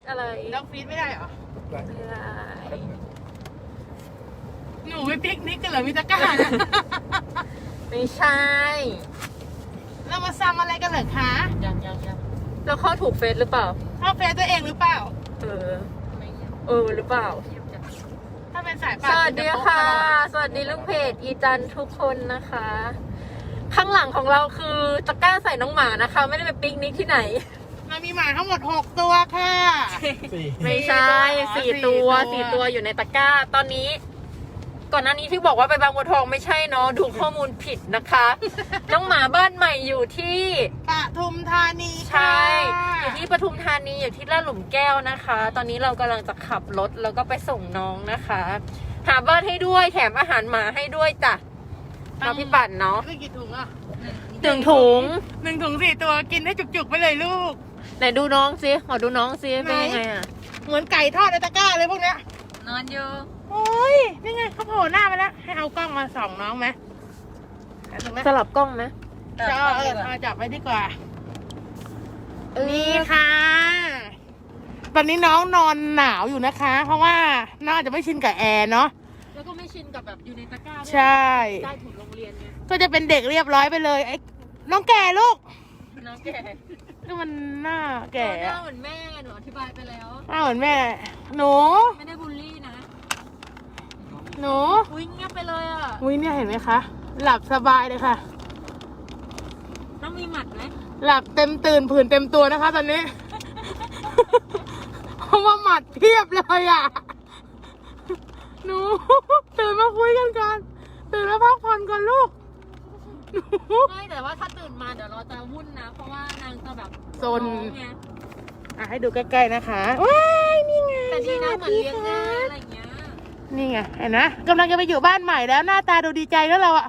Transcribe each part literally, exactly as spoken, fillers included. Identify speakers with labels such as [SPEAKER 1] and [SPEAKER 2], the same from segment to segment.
[SPEAKER 1] อะไร
[SPEAKER 2] ด็อกฟีดไม่ได้เหรอ
[SPEAKER 1] ไม่ได้
[SPEAKER 2] หนูไปปิกนิกกันเหรอมิตาก้านะ
[SPEAKER 1] ไม่ใช่
[SPEAKER 2] เรามาซ้ำอะไรกันเหรอคะ
[SPEAKER 1] ยังยังยังเราเข้าถูกเฟซหรือเปล่า
[SPEAKER 2] เข้าเฟซตัวเองหรือเปล่า
[SPEAKER 1] เออเออหรือเปล่า
[SPEAKER 2] ถ้าเป็นสาย
[SPEAKER 1] ส
[SPEAKER 2] ป่าน
[SPEAKER 1] วัสดีค่ะ สวัสดีลูกเพจอีจันทุกคนนะคะ ข้างหลังของเราคือตะกร้าใส่น้องหมานะคะ ไม่ได้ไปปิกนิกที่ไหน
[SPEAKER 2] เรามีหมาทั้งหมดหกตัวค่ะ
[SPEAKER 1] ไม่ใช่สี่ตัวสี่ตัวอยู่ในตะกร้า ตอนนี้ ก่อนหน้านี้ที่บอกว่าไปบางบัวทองไม่ใช่เนาะดูข้อมูลผิดนะคะ น้องหมาบ้านใหม่อยู่ที่
[SPEAKER 2] ปทุมธานี
[SPEAKER 1] ใช่ อยู่ที่ปทุมธานีอยู่ที่ลาดหลุมแก้วนะคะ ตอนนี้เรากำลังจะขับรถแล้วก็ไปส่งน้องนะคะ หาบ้านให้ด้วยแถมอาหารหมาให้ด้วยจ้ะเราพี่ปั่นเนาะ
[SPEAKER 2] ไม่กี่ถุงอ่ะ
[SPEAKER 1] หนึ่งถุง
[SPEAKER 2] หนึ่งถุงสี่ตัวกินได้จุกๆไปเลยลูก
[SPEAKER 1] ไหนดูน้องสิขอดูน้องสิเป็นยังไงอ่ะ
[SPEAKER 2] เหมือนไก่ทอดในตะกร้าเลยพวกเนี้ย
[SPEAKER 1] นอนอยู่
[SPEAKER 2] โอ้ยนี่ไงเขาโผล่หน้ามาแล้วให้เอากล้องมาส่องน้องไหมเอาตรงนั้น
[SPEAKER 1] สลับกล้องไหม
[SPEAKER 2] จะเอาเออเอาจับไว้ดีกว่า
[SPEAKER 1] เออ
[SPEAKER 2] นี่ค่ะ ตอนนี้น้องนอนหนาวอยู่นะคะ เพราะว่าน้องอาจจะไม่ชินกับแอร์เนาะ
[SPEAKER 1] แล้วก็ไม่ชินกับแบบอยู่ในตะกร้าด้วย
[SPEAKER 2] ใช่
[SPEAKER 1] ใต้ถุนโรงเรียนไง
[SPEAKER 2] ก็จะเป็นเด็กเรียบร้อยไปเลยไอ้น้องแก่ลูก
[SPEAKER 1] น้องแก่
[SPEAKER 2] ก็มันหน้าแก่
[SPEAKER 1] หน้า
[SPEAKER 2] อะ
[SPEAKER 1] เหมือนแม่หนูอธิบายไปแล้ว
[SPEAKER 2] หน้าเหมือนแม่ หนู
[SPEAKER 1] ไม่ได้บูลลี่นะ
[SPEAKER 2] หนู
[SPEAKER 1] อุ้ยเงียบไปเลยอ่ะ
[SPEAKER 2] วิเนี่ยเห็นไหมคะ หลับสบายเลยค่ะ
[SPEAKER 1] ต้องมีหมัดไหม
[SPEAKER 2] หลับเต็มตื่นผื่นเต็มตัวนะคะ ตอนนี้ เพราะว่าหมัดเพียบเลยอ่ะ หนู ตื่นมาคุยกันก่อนตื่นมาพักผ่อนก่อนลูก หนู
[SPEAKER 1] ไม่แต่ว่าถ้าตื่นมาเดี๋ยวเราจะวุ่นนะ เพราะว่านางจะแบบ
[SPEAKER 2] ซน
[SPEAKER 1] ร้องไง
[SPEAKER 2] อ่ะให้ดูใกล้ๆนะคะว้ายนี่ไง
[SPEAKER 1] แต่ดีนะ
[SPEAKER 2] ส
[SPEAKER 1] เห
[SPEAKER 2] วั
[SPEAKER 1] มื
[SPEAKER 2] ส
[SPEAKER 1] อนเลี้ยงง่ายอะไรอย่างเงี้ย
[SPEAKER 2] นี่ไงเห็นนะกำลังจะไปอยู่บ้านใหม่แล้วหน้าตาดูดีใจแล้วเราอ่ะ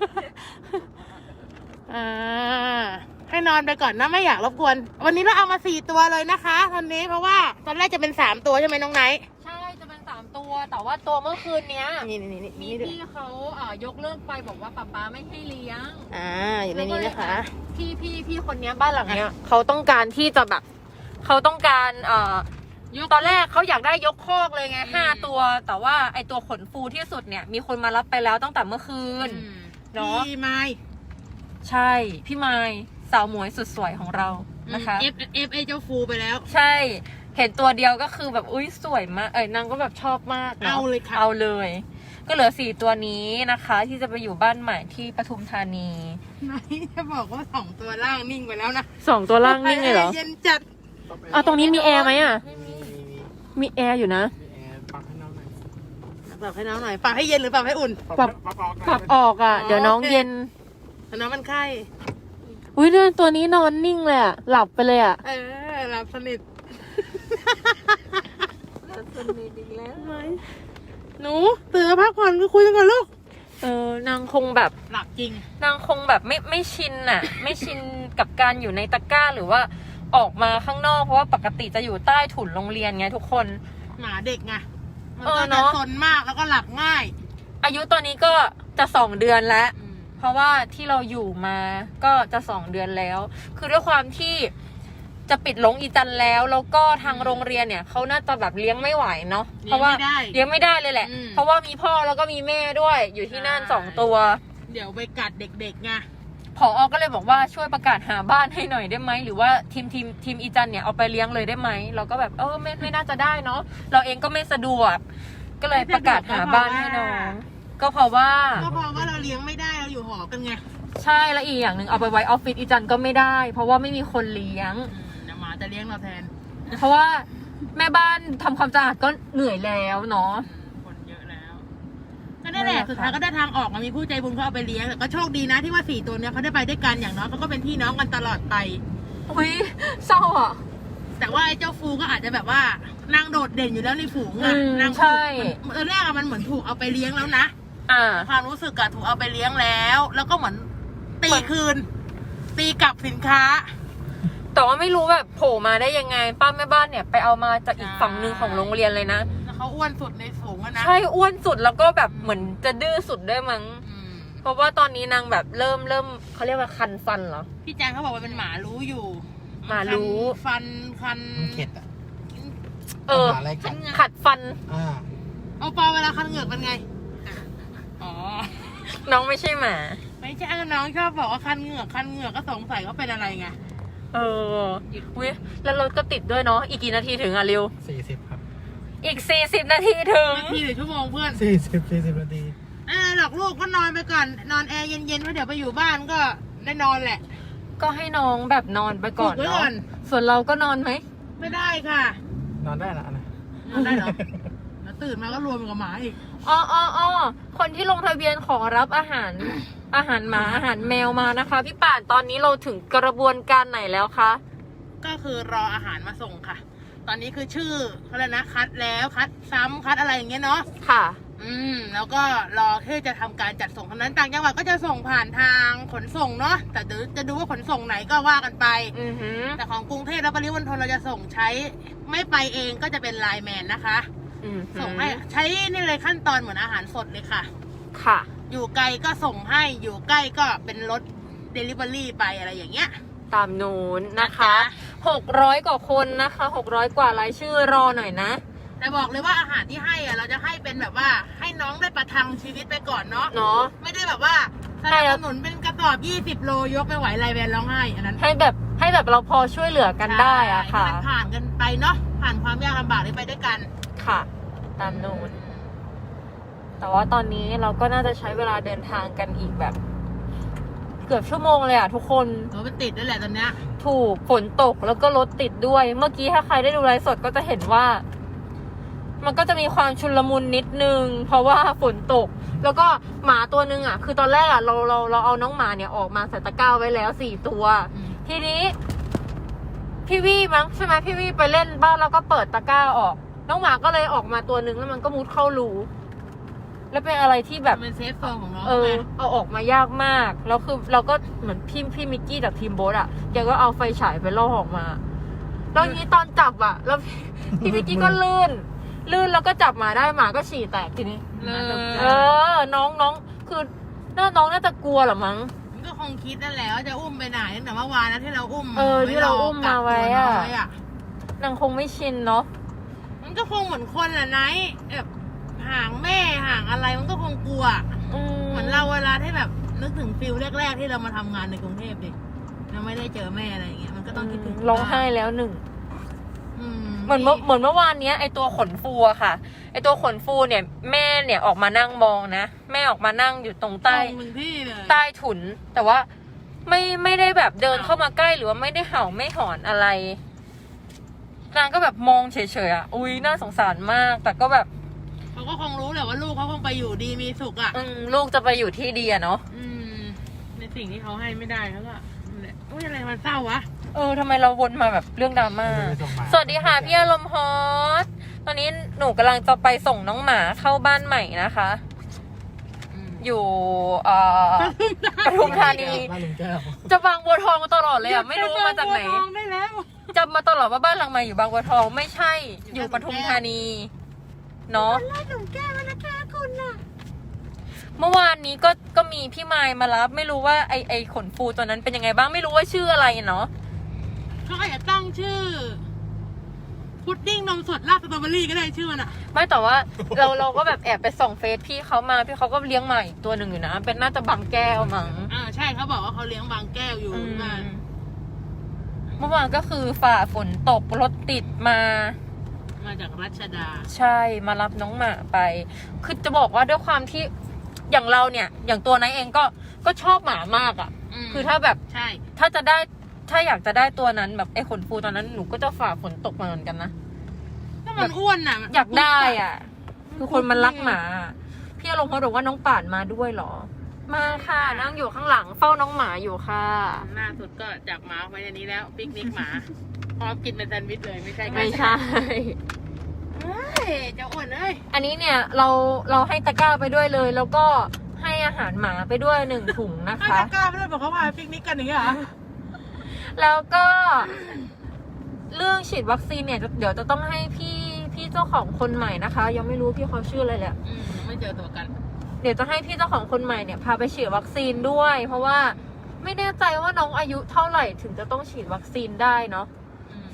[SPEAKER 2] อ่าให้นอนไปก่อนนะไม่อยากรบกวน วันนี้เราเอามาสี่ตัวเลยนะคะตอนนี้เพราะว่าตอนแรกจะเป็นสามตัวใช่ไหมน้องไนท์
[SPEAKER 1] ใช่จะเป็นสามตัว แต่ว่าตัวเมื่อคืนเนี้ย
[SPEAKER 2] นี่นี่นี่
[SPEAKER 1] มี
[SPEAKER 2] นี่ด้วย
[SPEAKER 1] พี่เขาเอ่อยกเลิกไปบอกว่าป๊าป๊าไม่ให้เลี้ยง
[SPEAKER 2] อ่าอยู่ในนี้นะคะ
[SPEAKER 1] พี่พี่พี่คนเนี้ยบ้านหลังเนี้ยเขาต้องการที่จะแบบเขาต้องการเอ่อตอนแรกเขาอยากได้ยกคอกเลยไงห้าตัว แต่ว่าไอตัวขนฟูที่สุดเนี่ยมีคนมารับไปแล้วตั้งแต่เมื่อคืน เนาะ
[SPEAKER 2] พี่ไม้
[SPEAKER 1] ใช่พี่ไมายสาวหมวยสุดสวยของเรานะคะ
[SPEAKER 2] เอฟเอฟเอเจ้าฟูไปแล้ว
[SPEAKER 1] ใช่เห็นตัวเดียวก็คือแบบอุ้ยสวยมากเอ้ยนางก็แบบชอบมากนะ
[SPEAKER 2] เอาเลยค่ะ
[SPEAKER 1] เอาเลย ก็เหลือสี่ตัวนี้นะคะ ที่จะไปอยู่บ้านใหม่ที่ปทุมธานี
[SPEAKER 2] ไนท์จะบอกว่าสองตัวล่างนิ่งไปแล้วนะ
[SPEAKER 1] สองตัวล่างนิ่งเลยเหรอ
[SPEAKER 2] เย็นจัด
[SPEAKER 1] อ่ะตรงนี้มีแอร์ไหมอ่ะมีแอร์อยู่นะ
[SPEAKER 2] ปรับให้น้องหน่อยปรับให้เย็นหรือปรับให้อุ่น
[SPEAKER 1] ปรับปรับออกอ่ะ เดี๋ยวน้องเย็น
[SPEAKER 2] แต่น้องมันไข้
[SPEAKER 1] อุ้ยเรื่องตัวนี้นอนนิ่งเลยอ่ะหลับไปเลยอ่ะ
[SPEAKER 2] เออหลับสนิท
[SPEAKER 1] หลับสนิทอีกแล้ว
[SPEAKER 2] หนูตื่นมาพักผ่อนก็คุยกันก่อนลูก
[SPEAKER 1] เออนางคงแบบ
[SPEAKER 2] หลับจริง
[SPEAKER 1] นางคงแบบไม่ไม่ชินน่ะ ไม่ชินกับการอยู่ในตะกร้าหรือว่าออกมาข้างนอกเพราะว่าปกติจะอยู่ใต้ถุนโรงเรียนไงทุกคน
[SPEAKER 2] หมาเด็กไงมัน
[SPEAKER 1] เออ
[SPEAKER 2] ก็
[SPEAKER 1] เน
[SPEAKER 2] จะ
[SPEAKER 1] อะ
[SPEAKER 2] ซนมากแล้วก็หลับง่าย
[SPEAKER 1] อายุตอนนี้ก็จะสองเดือนแล้ว เพราะว่าที่เราอยู่มาก็จะสองเดือนแล้ว คือด้วยความที่จะปิดลงอีจันแล้วแล้วก็ทางโรงเรียนเนี่ยเขาน่าจะแบบเลี้ยงไม่ไหวเนาะเพราะว่า
[SPEAKER 2] เลี้ยงไม่ได้
[SPEAKER 1] เลี้ยงไม่ได้เลยแหละ
[SPEAKER 2] อืม
[SPEAKER 1] เพราะว่ามีพ่อแล้วก็มีแม่ด้วย อยู่ที่นั่น
[SPEAKER 2] ใช่
[SPEAKER 1] สองตัว
[SPEAKER 2] เดี๋ยวไปกัดเด็กๆไง
[SPEAKER 1] ผอก็เลยบอกว่าช่วยประกาศหาบ้านให้หน่อยได้ไหมหรือว่าทีมทีมทีมอีจันเนี่ยเอาไปเลี้ยงเลยได้ไหมเราก็แบบเออไม่ไม่น่าจะได้เนาะเราเองก็ไม่สะดวก ก็เลยประกาศหาบ้านให้น้องก็เพราะว่า
[SPEAKER 2] ก็เพราะว่าเราเลี้ยงไม่ได้เราอยู่หอกันไง
[SPEAKER 1] ใช่แล้วอีกอย่างหนึ่งเอาไปไว้ออฟฟิศอีจันก็ไม่ได้ เพราะว่าไม่มีคนเลี้ยง
[SPEAKER 2] อืมเดี๋ยวหมาจะเลี้ยงเราแทน
[SPEAKER 1] เพราะว่าแม่บ้านทำความสะอาดก็เหนื่อยแล้วเนาะ
[SPEAKER 2] คนเยอะแล้ว ก็ได้แหละ
[SPEAKER 1] นั่นแหละ
[SPEAKER 2] สุดท้ายก็ได้ทางออกมามีผู้ใจบุญเขาเอาไปเลี้ยงแต่ก็โชคดีนะที่ว่าสี่ตัวเนี้ยเขาได้ไปด้วยกันอย่างน้อยเขาก็เป็นพี่น้องกันตลอดไป
[SPEAKER 1] อุ้ยเศร้าอ่ะ
[SPEAKER 2] แต่ว่าไอ้เจ้าฟูก็อาจจะแบบว่านางโดดเด่นอยู่แล้วในฝูงอะ
[SPEAKER 1] อืม
[SPEAKER 2] นาง
[SPEAKER 1] ใช่
[SPEAKER 2] ตอนแรกอะมันเหมือนถูกเอาไปเลี้ยงแล้วนะ
[SPEAKER 1] อ่า
[SPEAKER 2] ความรู้สึกอะถูกเอาไปเลี้ยงแล้ว แล้วก็เหมือนตี
[SPEAKER 1] เหมือน
[SPEAKER 2] คืน ตีกลับสินค้า
[SPEAKER 1] แต่ว่าไม่รู้แบบโผล่มาได้ยังไงป้าแม่บ้านเนี่ยไปเอามาจากอีก
[SPEAKER 2] ใช่
[SPEAKER 1] ฝั่งหนึ่งของโรงเรียนเลยนะ
[SPEAKER 2] แล้วเขาอ้วนสุดในฝูงอะนะ
[SPEAKER 1] ใช่อ้วนสุดแล้วก็แบบเหมือนจะดื้อสุดด้วยมั้ง
[SPEAKER 2] อืม
[SPEAKER 1] เพราะว่าตอนนี้นางแบบเริ่มเริ่มเขาเรียกว่าคันฟันเหรอ
[SPEAKER 2] พี่แจงเขาบอกว่าเป็นหมารู้อยู่
[SPEAKER 1] หมารู้
[SPEAKER 2] ฟันคัน
[SPEAKER 3] เข็ดอ่ะ
[SPEAKER 2] ค
[SPEAKER 1] เออ
[SPEAKER 3] หาอะไรกัด
[SPEAKER 1] ขัดฟัน
[SPEAKER 3] อ่า
[SPEAKER 2] เอาปอเวลาคันเหงือกเป็นไงอ๋อ
[SPEAKER 1] น้องไม่ใช่หมา
[SPEAKER 2] ไม่ใช่น้องชอบบอกว่าคันเหงือกคันเหงือกก็สงสัยว่าเป็นอะไรไง
[SPEAKER 1] เอออุ้ยแล้วรถก็ติดด้วยเนาะอีกกี่นาทีถึงอ่ะริว
[SPEAKER 3] สี่สิบครับ
[SPEAKER 1] อีกสี่สิบนาทีถึง
[SPEAKER 2] นาทีหรือชั่วโมงเพื่อน
[SPEAKER 3] สี่สิบสี่สิบนาที
[SPEAKER 2] เออหลอกลูกก็นอนไปก่อนนอนแอร์เย็นๆเพราะเดี๋ยวไปอยู่บ้านก็ได้นอนแหละ
[SPEAKER 1] ก็ให้น้องแบบนอนไปก่อน
[SPEAKER 2] ฝึกไว้
[SPEAKER 1] เนาะ
[SPEAKER 2] ก่อน
[SPEAKER 1] ส่วนเราก็นอนไหม
[SPEAKER 2] ไม่ได้ค่ะ
[SPEAKER 3] นอนได้ละนะ
[SPEAKER 2] นอนได้เหรอแล้วตื่นมาก็รวมกับหมาอีก
[SPEAKER 1] อ๋ออ๋ออ๋อคนที่ลงทะเบียนขอรับอาหาร อาหารหมาอาหารแมวมานะคะ พี่ป่านตอนนี้เราถึงกระบวนการไหนแล้วคะ
[SPEAKER 2] ก็คือรออาหารมาส่งค่ะ ตอนนี้คือชื่อเขาเลยกนะคัดแล้วคัดซ้ำคัดอะไรอย่างเงี้ยเนาะ
[SPEAKER 1] ค่ะ
[SPEAKER 2] อืมแล้วก็รอที่จะทำการจัดส่งเท่านั้นต่างจังหวัดก็จะส่งผ่านทางขนส่งเนาะแต่เดี๋ยวจะดูว่าขนส่งไหนก็ว่ากันไป
[SPEAKER 1] อือหือ
[SPEAKER 2] แต่ของกรุงเทพและปริมณฑลเราจะส่งใช้ไม่ไปเองก็จะเป็นไลน์แมนนะคะ
[SPEAKER 1] อือหือ
[SPEAKER 2] ส่งให้ใช้นี่เลยขั้นตอนเหมือนอาหารสดเลยค่ะ
[SPEAKER 1] ค่ะ
[SPEAKER 2] อยู่ไกลก็ส่งให้อยู่ใกล้ก็เป็นรถเดลิเวอรี่ไปอะไรอย่างเงี้ย
[SPEAKER 1] ตามนู้นนะคะ
[SPEAKER 2] นะ
[SPEAKER 1] หกร้อยกว่าคนนะคะหกร้อยกว่ารายชื่อรอหน่อยนะ
[SPEAKER 2] แต่บอกเลยว่าอาหารที่ให้อะเราจะให้เป็นแบบว่าให้น้องได้ประทังชีวิตไปก่อนเนาะ
[SPEAKER 1] เนาะ
[SPEAKER 2] ไม่ได้แบบว่าส
[SPEAKER 1] ให้
[SPEAKER 2] นับ
[SPEAKER 1] แล้
[SPEAKER 2] ส
[SPEAKER 1] ว
[SPEAKER 2] นุนเป็นกระสอบยี่สิบโลยกไม่ไหวไลน์แมนร้องไห้อันนั้น
[SPEAKER 1] ให้แบบให้แบบเราพอช่วยเหลือกันได้อะค่ะ
[SPEAKER 2] ให้มันผ่านกันไปเนาะผ่านความยากลำบากนี้ไปด้วยกัน
[SPEAKER 1] ค่ะ ตามนู้น แต่ว่าตอนนี้เราก็น่าจะใช้เวลาเดินทางกันอีกแบบ เกือบชั่วโมงเลยอ่ะทุกคน
[SPEAKER 2] รถมันติดด้วยแหละตอนเนี้ย
[SPEAKER 1] ถูกฝนตกแล้วก็รถติดด้วย เมื่อกี้ถ้าใครได้ดูไลฟ์สดก็จะเห็นว่า มันก็จะมีความชุลมุนนิดนึง เพราะว่าฝนตก แล้วก็หมาตัวนึงอ่ะ คือตอนแรกอ่ะเราเราเราเอาน้องหมาเนี่ยออกมาใส่ตะกร้าไว้แล้วสี่ตัว
[SPEAKER 2] อืม
[SPEAKER 1] ทีนี้ พี่วี่มั้งใช่ไหมพี่วี่ไปเล่นบ้านแล้วก็เปิดตะกร้าออก น้องหมาก็เลยออกมาตัวนึงแล้วมันก็มุดเข้ารูแล้วเป็นอะไรที่แบบ
[SPEAKER 2] มันเป็นเซฟโซนของน้อง
[SPEAKER 1] เออ
[SPEAKER 2] ไง
[SPEAKER 1] เอาออกมายากมาก แล้วคือเราก็เหมือนพี่พี่มิกกี้จากทีมโบ๊ทอ่ะ แกก็เอาไฟฉายไปล่อออกมา แล้วทีนี้ตอนจับอ่ะ แล้วพี่ พี่มิกกี้ก็ลื่น ลื่นแล้วก็จับหมาได้หมาก็ฉี่แตกทีนี้
[SPEAKER 2] เลย
[SPEAKER 1] เออ น้องน้องคือน่าน้องน่าจะกลัวเหรอมั้ง
[SPEAKER 2] มันก็คงคิดนั่นแหละว่าจะอุ้มไปไหนตั้งแต่เมื่อวานนะที่เราอุ้ม
[SPEAKER 1] เออที่เราอุ้มมาไว้อะ
[SPEAKER 2] กักตัวน้งไว้อะ
[SPEAKER 1] นางคงไม่ชินเนาะ
[SPEAKER 2] มันก็คงเหมือนคนแหละไนท์แบบห่างแม่ห่างอะไรมันก็คงกลัว
[SPEAKER 1] อืม
[SPEAKER 2] เหมือนเราเวลาที่แบบนึกถึงฟิลแรกๆที่เรามาทำงานในกรุงเทพดิเราไม่ได้เจอแม่อะไรอย่างเงี้ยมันก็ต้องคิดถึง
[SPEAKER 1] ร้องไห้แล้วหนึ่ง
[SPEAKER 2] อืม
[SPEAKER 1] เหมือนเมื่อเหมือนเมื่อวานเนี้ยไอตัวขนฟูอะค่ะ ไอตัวขนฟูเนี่ย แม่เนี่ยออกมานั่งมองนะ แม่ออกมานั่งอยู่ตรงใต้
[SPEAKER 2] ตรงหนึ่งที่เลย
[SPEAKER 1] ใต้ถุน แต่ว่าไม่ไม่ได้แบบเดินเข้ามาใกล้หรือว่าไม่ได้เห่าไม่หอนอะไร นางก็แบบมองเฉยๆอ่ะ อุ้ยน่าสงสารมาก แต่ก็แบบ
[SPEAKER 2] เขาก็คงรู้แหละว่าลูกเขาคงไปอยู่ดีมีสุขอ่ะ
[SPEAKER 1] อืมลูกจะไปอยู่ที่ดีอะเนาะ
[SPEAKER 2] อืมในสิ่งที่เขาให้ไม่ได้เขาก็นั่นแหละอุ้ยอะไรมันเศร้าวะ
[SPEAKER 1] เออทำไมเราวนมาแบบเรื่องดราม่า
[SPEAKER 3] ไปส่งหมา
[SPEAKER 1] สวัสดีค่ะพี่อารมณ์ฮอตตอนนี้หนูกำลังจะไปส่งน้องหมาเข้าบ้านใหม่นะคะ อยู่เอ่อปทุมธานี
[SPEAKER 3] บ้านลุงแก้ว
[SPEAKER 1] จะบางบัวทองมาตลอดเลยอ่ะ ไม่รู้มาจากไหน
[SPEAKER 2] บัวทองได้แล้ว
[SPEAKER 1] จำมาตลอดว่าบ้านหลังใหม่อยู่บางบัวทองไม่ใช่ อยู่ปทุมธานีเนาะ
[SPEAKER 2] ไล่หนุ่มแก้วมานะคะคุณน่ะ
[SPEAKER 1] เมื่อวานนี้ก็ก็มีพี่มายมารับ ไม่รู้ว่าไอไอขนฟูตัวนั้นเป็นยังไงบ้างไม่รู้ว่าชื่ออะไรเนาะ
[SPEAKER 2] เขาอาจจะตั้งชื่อ พุดดิ้งนมสดราดสตรอเบอรี่ก็ได้ชื่อมันอ่ะ
[SPEAKER 1] ไม่แต่ว่าเราเราก็แบบแอบไปส่องเฟซพี่เขามาพี่เขาก็เลี้ยงใหม่ตัวหนึ่งอยู่นะ เป็นน่าจะบางแก้วมั้ง
[SPEAKER 2] อ่าใช่เขาบอกว่าเขาเลี้ยงบางแก้วอยู่
[SPEAKER 1] อืม
[SPEAKER 2] มา
[SPEAKER 1] เมื่อวานก็คือฝ่าฝนตกรถติดมา
[SPEAKER 2] มาจากรัชดา
[SPEAKER 1] ใช่มารับน้องหมาไป คือจะบอกว่าด้วยความที่อย่างเราเนี่ย อย่างตัวนายเองก็ก็ชอบหมามากอะ่ะ
[SPEAKER 2] ม
[SPEAKER 1] คือถ้าแบบ
[SPEAKER 2] ใช่
[SPEAKER 1] ถ้าจะได้ถ้าอยากจะได้ตัวนั้นแบบไอ้ขนฟูตอนนั้นหนูก็จะฝ่าฝนตกมาเหมือนกันนะ
[SPEAKER 2] ถ้ามันอ้วนน่ะมัน
[SPEAKER 1] อยากได้อ่ะ คือคนมันรักหมา พี่อารมณ์เขาบอกว่าน้องป่านมาด้วยเหรอ มาค่ะนั่งอยู่ข้างหลังเฝ้าน้องหมาอยู่ค่ะ
[SPEAKER 2] หน้าสุดก็จับหมาไว้ในนี้แล้วปิกนิกหมา พร้อมกินเป็นแซนด์วิชเลยไม่ใช่กัน
[SPEAKER 1] ไม่ใช่
[SPEAKER 2] เฮ้ยเจ้าอ้วนเอ้ย
[SPEAKER 1] อันนี้เนี่ยเราเราให้ตะกร้าไปด้วยเลย แล้วก็ให้อาหารหมาไปด้วยหนึ่งถุงนะ
[SPEAKER 2] ไม่
[SPEAKER 1] คะ
[SPEAKER 2] กล้าไม่ได้บอกเขาว่าปิกนิกกันอย่างเงี้ยเหรอ
[SPEAKER 1] แล้วก็เรื่องฉีดวัคซีนเนี่ยเดี๋ยวจะต้องให้พี่พี่เจ้าของคนใหม่นะคะ ยังไม่รู้พี่เขาชื่ออะไรแหละ
[SPEAKER 2] อืมไม่เจอตัวกัน
[SPEAKER 1] เดี๋ยวจะให้พี่เจ้าของคนใหม่เนี่ยพาไปฉีดวัคซีนด้วย เพราะว่าไม่แน่ใจว่าน้องอายุเท่าไหร่ถึงจะต้องฉีดวัคซีนได้เนาะ
[SPEAKER 2] อืม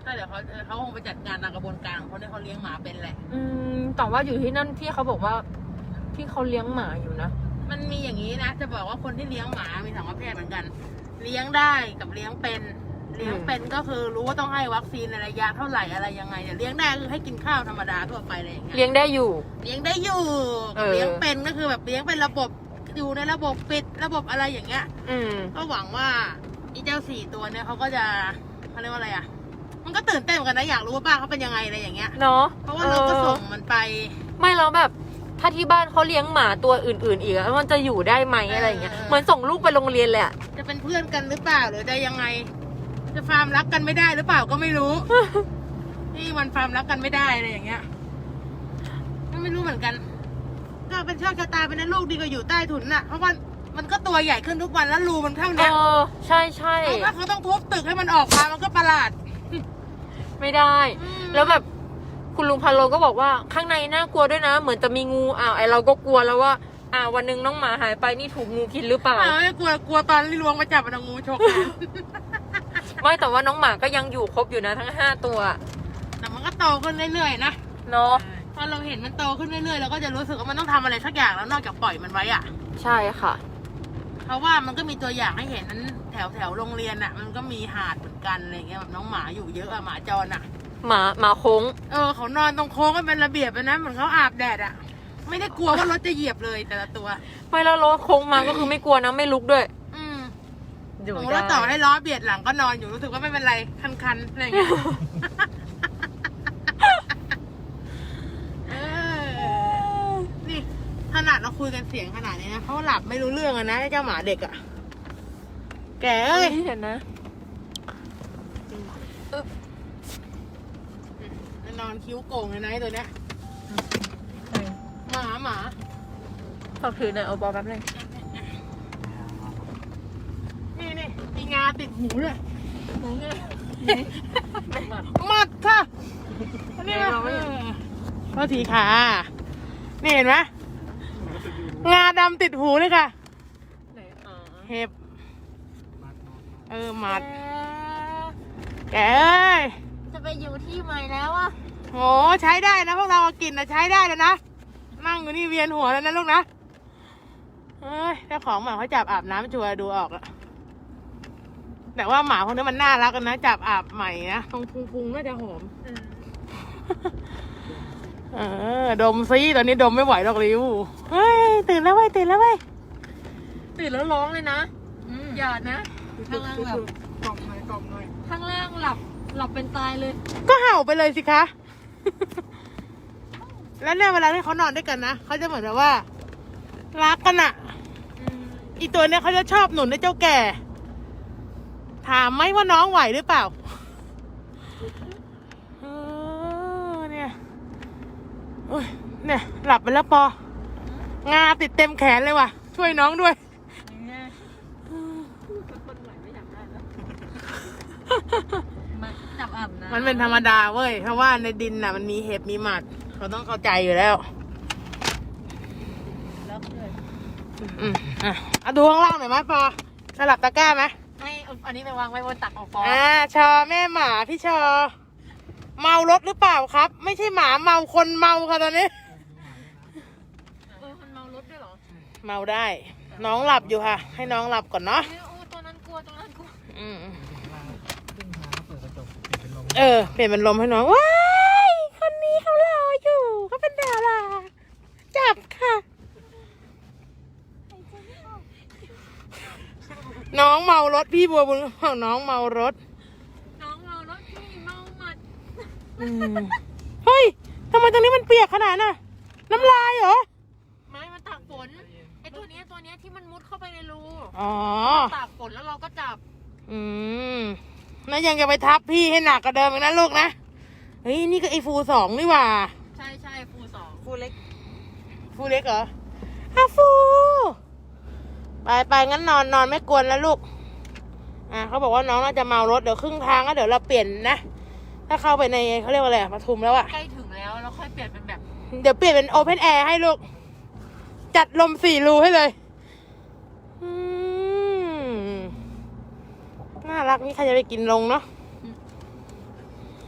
[SPEAKER 2] ก็เดี๋ยวเขาเขาคงไปจัดการตามกระบวนการของเขาเนี่ยเขาเลี้ยงหมาเป็นแหละ
[SPEAKER 1] อืมแต่ว่าอยู่ที่นั่นที่เขาบอกว่าที่เขาเลี้ยงหมาอยู่นะ
[SPEAKER 2] มันมีอย่างนี้นะจะบอกว่าคนที่เลี้ยงหมามีสองประเภทเหมือนกัน เลี้ยงได้กับเลี้ยงเป็นเลี้ยงเป็นก็คือรู้ว่าต้องให้วัคซีนในระยะเท่าไหร่อะไรยังไงแต่เลี้ยงได้คือให้กินข้าวธรรมดาทั่วไปเลยอย่างเงี้ย
[SPEAKER 1] เลี้ยงได้อยู่
[SPEAKER 2] เลี้ยงได้อยู่
[SPEAKER 1] เออ
[SPEAKER 2] เลี้ยงเป็นก็คือแบบเลี้ยงเป็นระบบอยู่ในระบบปิดระบบอะไรอย่างเงี้ย
[SPEAKER 1] อืม
[SPEAKER 2] ก็หวังว่าอีเจ้าสี่ตัวเนี่ยเขาก็จะเขาเรียกว่าอะไรอ่ะ มันก็ตื่นเต้นเหมือนกันนะอยากรู้ว่าป้าเขาเป็นยังไงอะไรอย่างเงี้ย
[SPEAKER 1] เนาะ
[SPEAKER 2] เพราะว่าเราก็ส่งมันไป
[SPEAKER 1] ไม่แล้วแบบถ้าที่บ้านเขาเลี้ยงหมาตัวอื่นๆอีกอะมันจะอยู่ได้ไหมอะไรอย่างเงี้ย
[SPEAKER 2] เออ
[SPEAKER 1] เหมือนส่งลูกไปโรงเรียนเลยอะ
[SPEAKER 2] จะเป็นเพื่อนกันหรือเปล่าหรือจะยังไง จะฟาร์มรักกันไม่ได้หรือเปล่าก็ไม่รู้ นี่มันฟาร์มรักกันไม่ได้อะไรอย่างเงี้ยไม่รู้เหมือนกัน ก็เป็นโชคชะตาเป็นนั้นลูกดีกว่าอยู่ใต้ถุนน่ะเพราะว่ามันก็ตัวใหญ่ขึ้นทุกวันแล้วรูมันเท่า
[SPEAKER 1] เอ
[SPEAKER 2] เนี้ย
[SPEAKER 1] อใช่ใช่
[SPEAKER 2] เพราะว่าเขาต้องทุบตึกให้มันออกมามันก็ประหลาด
[SPEAKER 1] ไม่ได้
[SPEAKER 2] อืม
[SPEAKER 1] แล้วแบบคุณลุงพันโลก็บอกว่าข้างในน่ากลัวด้วยนะ เหมือนจะมีงูอ้าวไอเราก็กลัวแล้วว่าอ่าวันหนึงน้องหมาหายไปนี่ถูกงูกินหรือเปล่า
[SPEAKER 2] อ้าวไม่กลัวกลัวตอนที่ลวงมาจับมันเอางูฉกแขน
[SPEAKER 1] ไม่แต่ว่าน้องหมาก็ยังอยู่ครบอยู่นะทั้งห้าตัว
[SPEAKER 2] แต่มันก็โตขึ้นเรื่อยๆนะ
[SPEAKER 1] เนาะ
[SPEAKER 2] พอเราเห็นมันโตขึ้นเรื่อยๆเราก็จะรู้สึกว่ามันต้องทำอะไรสักอย่างแล้วนอกจากปล่อยมันไว้อะ
[SPEAKER 1] ใช่ค่ะ
[SPEAKER 2] เพราะว่ามันก็มีตัวอย่างให้เห็นนั้นแถวแถวโรงเรียนอะมันก็มีหาดเหมือนกันอะไรเงี้ยแบบน้องหมาอยู่เยอะอะหมาจรอะ
[SPEAKER 1] หมาหมาโค้ง
[SPEAKER 2] เออเขานอนตรงโค้งกันเป็นระเบียบเลยนะเหมือนเขาอาบแดดอะไม่ได้กลัวว่ารถจะเหยียบเลยแต่ละตัว
[SPEAKER 1] ไม่แล้วรถโค้งมาก็คือไม่กลัวนะไม่ลุกด้วย
[SPEAKER 2] อืม
[SPEAKER 1] อยู่
[SPEAKER 2] โอ้
[SPEAKER 1] ได้
[SPEAKER 2] แล้วต่อให้ล้อเบียดหลังก็นอนอยู่รู้สึกว่าไม่เป็นไรคันๆอะไรอย่างเงี้ย เออนี่ขนาดเราคุยกันเสียงขนาดนี้นะเขาหลับไม่รู้เรื่องอะนะไอ้เจ้าหมาเด็กอะแกเอ้ย
[SPEAKER 1] เห็นนะ
[SPEAKER 2] นอนคิ้วโก่งเลยนะไอ้ตัวเนี้ยหมาหมา
[SPEAKER 1] ฝากถือหน่อยเอาบอลแป๊บนึง
[SPEAKER 2] นี่นี่มีงาติดหูเลยมัดค่ะนี่มาโทษทีค่ะ นี่เห็นไหมงาดำติดหูเลยค่ะ
[SPEAKER 1] ไหนอ๋อ
[SPEAKER 2] เห็บ เออมัด แกเอ้ย
[SPEAKER 1] จะไปอยู่ที่ใหม่แล้วอ่ะ
[SPEAKER 2] โหใช้ได้นะพวกเราเอากินนะใช้ได้แล้วนะ นั่งอยู่นี่เวียนหัวแล้วนะลูกนะเอ้ยเจ้าของหมาเขาจับอาบน้ำชัวร์ดูออกอะแต่ว่าหมาพวกนี้มันน่ารักกันนะจับอาบใหม่นะตรงพุงๆน่าจะหอม เออดมซิตอนนี้ดมไม่ไหวหรอกริวเฮ้ยตื่นแล้วเว้ยตื่นแล้วเว้ย
[SPEAKER 1] ตื่นแล้วร้องเลยนะอย่านะ ข้างล่างแบบ
[SPEAKER 3] กล่อมหน่อยกล่อมหน่อย
[SPEAKER 1] ข้างล่างหลับหลับเป็นตายเลย
[SPEAKER 2] ก็เห่าไปเลยสิคะ แล้วเนี่ยเวลาที่เขานอนด้วยกันนะเขาจะเหมือนแบบว่ารักกันอะอีตัวเนี้ยเขาจะชอบหนุนในเจ้าแก่ ถามไหมว่าน้องไหวหรือเปล่าเออเนี่ยโอ้ยเนี่ยหลับไปแล้วปองาติดเต็มแขนเลยว่ะ ช่วยน้องด้วย
[SPEAKER 1] จับอาบน้ำ
[SPEAKER 2] มันเป็นธรรมดาเว้ย เพราะว่าในดินน่ะมันมีเห็บมีหมัด เขาต้องเข้าใจอยู่แล้ว
[SPEAKER 1] แล้วเลย
[SPEAKER 2] อืมอ่ะเอาดูข้างล่างหน่อยไหมปอสลับตะกร้าไหม
[SPEAKER 1] ให้อันนี้ไปวางไว้บนตักของฟอ
[SPEAKER 2] อ่าชอแม่หมาพี่ชอ เมารถหรือเปล่าครับ ไม่ใช่หมาเมาคนเมาค่ะตอนนี้
[SPEAKER 1] เออมันเมารถด้วยเหรอ
[SPEAKER 2] เมาได้ น้องหลับอยู่ค่ะ ให้น้องหลับก่อนเนาะ
[SPEAKER 1] เออโอ้ตัวนั้นกลัวตัวนั้นกลัว
[SPEAKER 2] อืม
[SPEAKER 3] ขึ้นมาก็เปิดกระจกเปลี่ยนเป็นลม
[SPEAKER 2] เออเปลี่ยนเป็นลมให้น้องว้ายคนนี้เขารออยู่เขาเป็นดาราจับค่ะ น้องเมารถพี่บัวบุญของน้องเมารถ
[SPEAKER 1] น้องเมารถพี่เมาหมัด
[SPEAKER 2] อืมเฮ้ยทำไมตรงนี้มันเปียกขนาดน่ะ น้ำลายเหรอ
[SPEAKER 1] ไม้มันตากฝนไอตัวเนี้ยตัวเนี้ยที่มันมุดเข้าไปในรู
[SPEAKER 2] อ๋อ
[SPEAKER 1] ตากฝนแล้วเราก็จับ
[SPEAKER 2] อืมแล้วยังจะไปทับพี่ให้หนักกว่าเดิมอีกนะลูกนะ เฮ้ยนี่ก็ไอฟูสองนี่หว่า
[SPEAKER 1] ใช่ใช่ฟูสองฟูเล็ก
[SPEAKER 2] ฟูเล็กเหรออาฟู ไปไปงั้นนอนนอนไม่กวนแล้วลูก อ่าเขาบอกว่าน้องน่าจะเมารถเดี๋ยวครึ่งทางก็เดี๋ยวเราเปลี่ยนนะ ถ้าเข้าไปในเขาเรียกว่าอะไรอะปทุมแล้วอะ
[SPEAKER 1] ใกล้ถึงแล้วแล้วค่อยเปลี่ยนเป็นแบบ
[SPEAKER 2] เดี๋ยวเปลี่ยนเป็นโอเพนแอร์ให้ลูก จัดลมสี่รูให้เลยอืมน่ารักนี่ใครจะไปกินลงเนาะ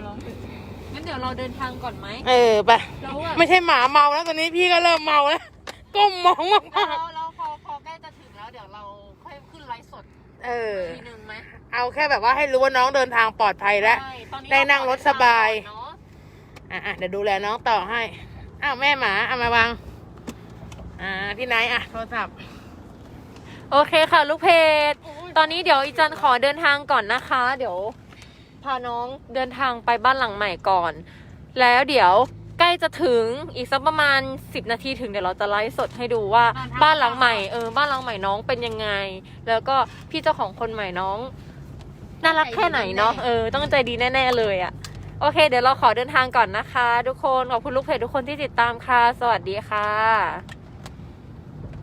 [SPEAKER 1] ร้องงั้นเดี๋ยวเราเดินทางก่อนไหม
[SPEAKER 2] เออไป
[SPEAKER 1] แล้วอะ
[SPEAKER 2] ไม่ใช่หมาเมาแล้วตอนนี้พี่ก็เริ่มเมาแล้วก้มมองมาก
[SPEAKER 1] แล้วแล้วพอพอใกล้จะถึงแล้วเดี๋ยวเราค่อยขึ้นไลฟ์สด
[SPEAKER 2] ๆเออ
[SPEAKER 1] ทีนึงไหม
[SPEAKER 2] เอาแค่แบบว่าให้รู้ว่าน้องเดินทางปลอดภัยแล้ว
[SPEAKER 1] ใช่ตอนนี้
[SPEAKER 2] ได้นั่งรถสบาย
[SPEAKER 1] เรขอเดินทางก่อนเนอะ
[SPEAKER 2] อ่ะอ่ะเดี๋ยวดูแลน้องต่อให้ อ้าวแม่หมาเอามาวาง อ่าพี่ไนท์อ่ะโทรศัพท์
[SPEAKER 1] โอเคค่ะลูกเพจตอนนี้เดี๋ยวอีจันขอเดินทางก่อนนะคะ เดี๋ยวพาน้องเดินทางไปบ้านหลังใหม่ก่อน แล้วเดี๋ยวใกล้จะถึงอีกสักประมาณสิบนาทีถึงเดี๋ยวเราจะไลฟ์สดให้ดูว่าบ้านหลังใหม่เออบ้านหลังใหม่น้องเป็นยังไง แล้วก็พี่เจ้าของคนใหม่น้องน่ารักแค่ไหนเนาะเออต้องใจดีแน่ๆเลยอะโอเค เดี๋ยวเราขอเดินทางก่อนนะคะ ทุกคนขอบคุณลูกเพจทุกคนที่ติดตามค่ะ สวัสดีค่ะ